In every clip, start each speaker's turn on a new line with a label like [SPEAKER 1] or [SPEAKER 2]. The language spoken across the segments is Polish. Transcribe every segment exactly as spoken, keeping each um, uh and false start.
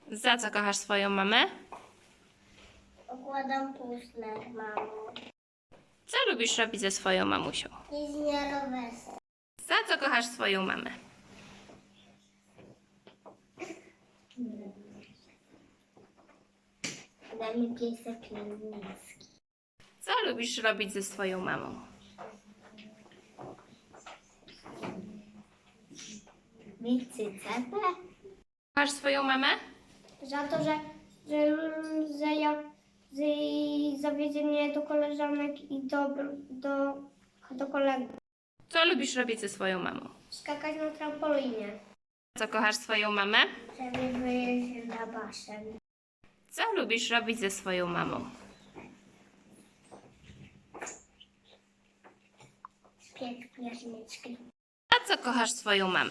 [SPEAKER 1] Za co kochasz swoją mamę?
[SPEAKER 2] Układam puzzle, mamo.
[SPEAKER 1] Co lubisz robić ze swoją mamusią?
[SPEAKER 2] Jeździ na rowerze.
[SPEAKER 1] Za co kochasz swoją mamę?
[SPEAKER 2] Daj mi piesek niemiecki.
[SPEAKER 1] Co lubisz robić ze swoją mamą?
[SPEAKER 2] Mieć cycepę?
[SPEAKER 1] Kochasz swoją mamę?
[SPEAKER 2] Za to, że, że, że ja że jej zawiedzie mnie do koleżanek i do, do, do kolegów.
[SPEAKER 1] Co lubisz robić ze swoją mamą?
[SPEAKER 2] Skakać na trampolinie.
[SPEAKER 1] Co kochasz swoją mamę?
[SPEAKER 2] Żeby wyjeździć na basen.
[SPEAKER 1] Co lubisz robić ze swoją mamą?
[SPEAKER 2] Piec pierniczki.
[SPEAKER 1] A co kochasz swoją mamę?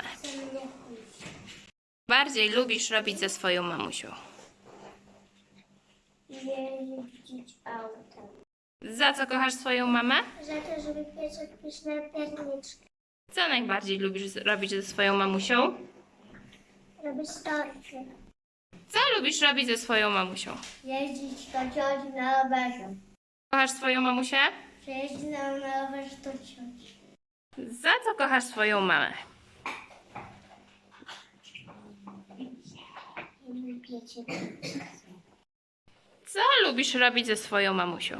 [SPEAKER 1] Bardziej lubisz robić ze swoją mamusią?
[SPEAKER 2] Jeździć autem.
[SPEAKER 1] Za co kochasz swoją mamę?
[SPEAKER 2] Za to, żeby piesek pyszne pierniczki.
[SPEAKER 1] Co najbardziej lubisz z- robić ze swoją mamusią?
[SPEAKER 2] Robić torty.
[SPEAKER 1] Co lubisz robić ze swoją mamusią?
[SPEAKER 2] Jeździć do cioci na rowerze.
[SPEAKER 1] Kochasz swoją mamusię?
[SPEAKER 2] Przejeździć na, na rowerze do cioci.
[SPEAKER 1] Za co kochasz swoją mamę?
[SPEAKER 2] I piecie.
[SPEAKER 1] Co lubisz robić ze swoją mamusią?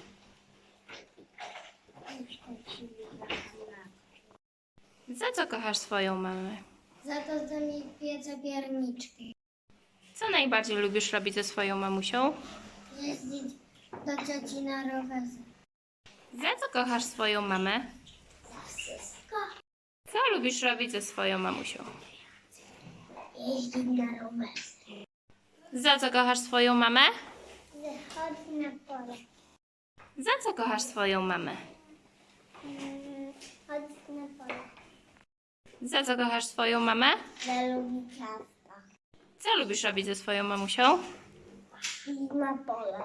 [SPEAKER 1] Za co kochasz swoją mamę?
[SPEAKER 2] Za to, że mi piece pierniczki.
[SPEAKER 1] Co najbardziej lubisz robić ze swoją mamusią?
[SPEAKER 2] Jeździć do cioci na rowerze.
[SPEAKER 1] Za co kochasz swoją mamę?
[SPEAKER 2] Za wszystko.
[SPEAKER 1] Co lubisz robić ze swoją mamusią?
[SPEAKER 2] Jeździć na rowerze.
[SPEAKER 1] Za co kochasz swoją mamę?
[SPEAKER 2] Wychodzić na pole.
[SPEAKER 1] Za co kochasz swoją mamę?
[SPEAKER 2] Mm, Chodzić na pole.
[SPEAKER 1] Za co kochasz swoją mamę?
[SPEAKER 2] Że lubi ciasta.
[SPEAKER 1] Co lubisz robić ze swoją mamusią?
[SPEAKER 2] I na pole.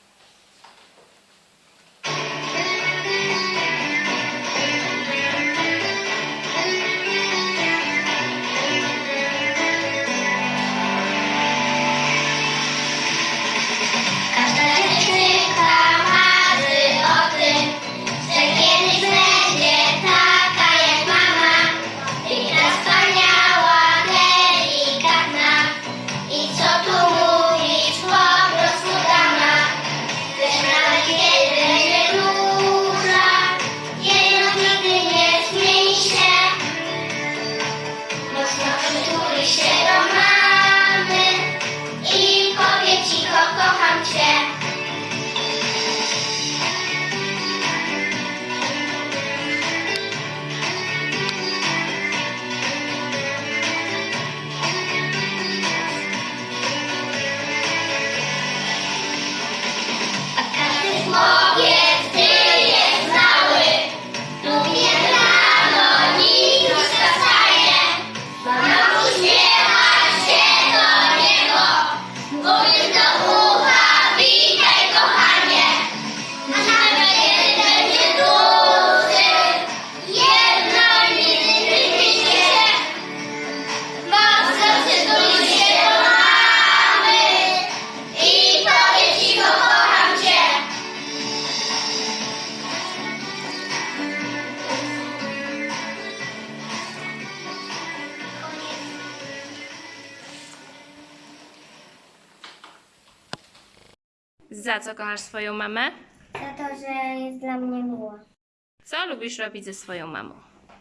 [SPEAKER 3] Każda dziewczynka marzy o tym, że kiedyś będzie taka jak mama. Piękna, wspaniała, delikatna. I co tu mówić, po prostu dama. Lecz nawet kiedy będzie duża, jedno nigdy nie zmieni się. Mocno przytuli się do mamy i powie cicho, kocham cię. A każdy chłopiec, gdy jest mały, lubi rano, nim już wstaje. Mama uśmiecha się do niego, mówiąc do ucha, witaj kochanie. A nawet kiedy będzie duży, jedno nigdy nie zmieni się. Mocno przytuli się do mamy i powie cicho, kocham cię.
[SPEAKER 1] Za co kochasz swoją mamę?
[SPEAKER 2] Za to, że jest dla mnie miła.
[SPEAKER 1] Co lubisz robić ze swoją mamą?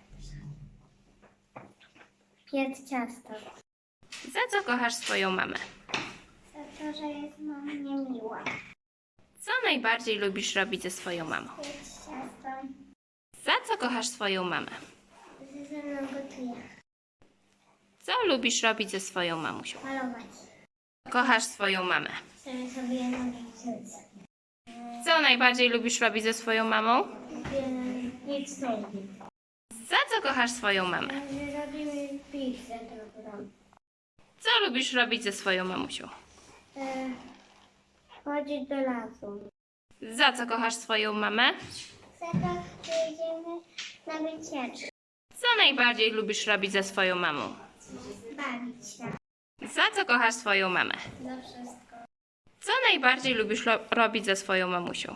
[SPEAKER 2] Piec ciasto.
[SPEAKER 1] Za co kochasz swoją mamę?
[SPEAKER 2] Za to, że jest dla mnie miła.
[SPEAKER 1] Co najbardziej lubisz robić ze swoją mamą?
[SPEAKER 2] Piec ciasto.
[SPEAKER 1] Za co kochasz swoją mamę?
[SPEAKER 2] Że ze mną gotuje.
[SPEAKER 1] Co lubisz robić ze swoją mamusią?
[SPEAKER 2] Malować.
[SPEAKER 1] Kochasz swoją mamę.
[SPEAKER 2] Chcę sobie nowić
[SPEAKER 1] Co najbardziej lubisz robić ze swoją mamą?
[SPEAKER 2] Nic nie robi.
[SPEAKER 1] Za co kochasz swoją mamę?
[SPEAKER 2] Że robimy pizzę dobrą.
[SPEAKER 1] Co lubisz robić ze swoją mamusią?
[SPEAKER 2] E, chodzić do lasu.
[SPEAKER 1] Za co kochasz swoją mamę?
[SPEAKER 2] Za to, że idziemy na wycieczkę.
[SPEAKER 1] Co najbardziej lubisz robić ze swoją mamą?
[SPEAKER 2] Bawić się.
[SPEAKER 1] Za co kochasz swoją mamę?
[SPEAKER 2] Za wszystko.
[SPEAKER 1] Co najbardziej lubisz lo- robić ze swoją mamusią?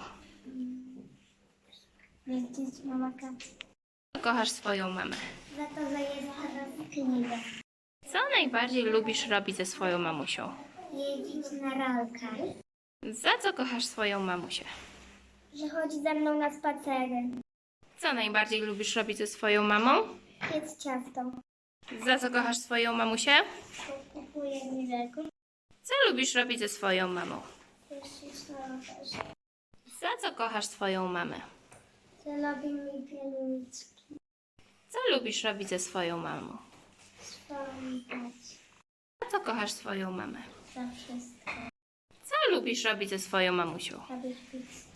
[SPEAKER 2] Jeździć na wakacje.
[SPEAKER 1] Co kochasz swoją mamę?
[SPEAKER 2] Za to, że jest teraz knigę.
[SPEAKER 1] Co najbardziej lubisz robić ze swoją mamusią?
[SPEAKER 2] Jeździć na ralkach.
[SPEAKER 1] Za co kochasz swoją mamusię?
[SPEAKER 2] Że chodzi ze mną na spacery.
[SPEAKER 1] Co najbardziej lubisz robić ze swoją mamą?
[SPEAKER 2] Jedz ciasto.
[SPEAKER 1] Za co kochasz swoją mamusię?
[SPEAKER 2] Kupuję mi rzeku.
[SPEAKER 1] Co lubisz robić ze swoją mamą?
[SPEAKER 2] Jeździć na rowerze.
[SPEAKER 1] Za co kochasz swoją mamę?
[SPEAKER 2] Że robi mi pielniczki.
[SPEAKER 1] Co lubisz robić ze swoją mamą?
[SPEAKER 2] Wspominać.
[SPEAKER 1] Za co kochasz swoją mamę?
[SPEAKER 2] Za wszystko.
[SPEAKER 1] Co lubisz robić ze swoją mamusią?
[SPEAKER 2] Robić pizzę.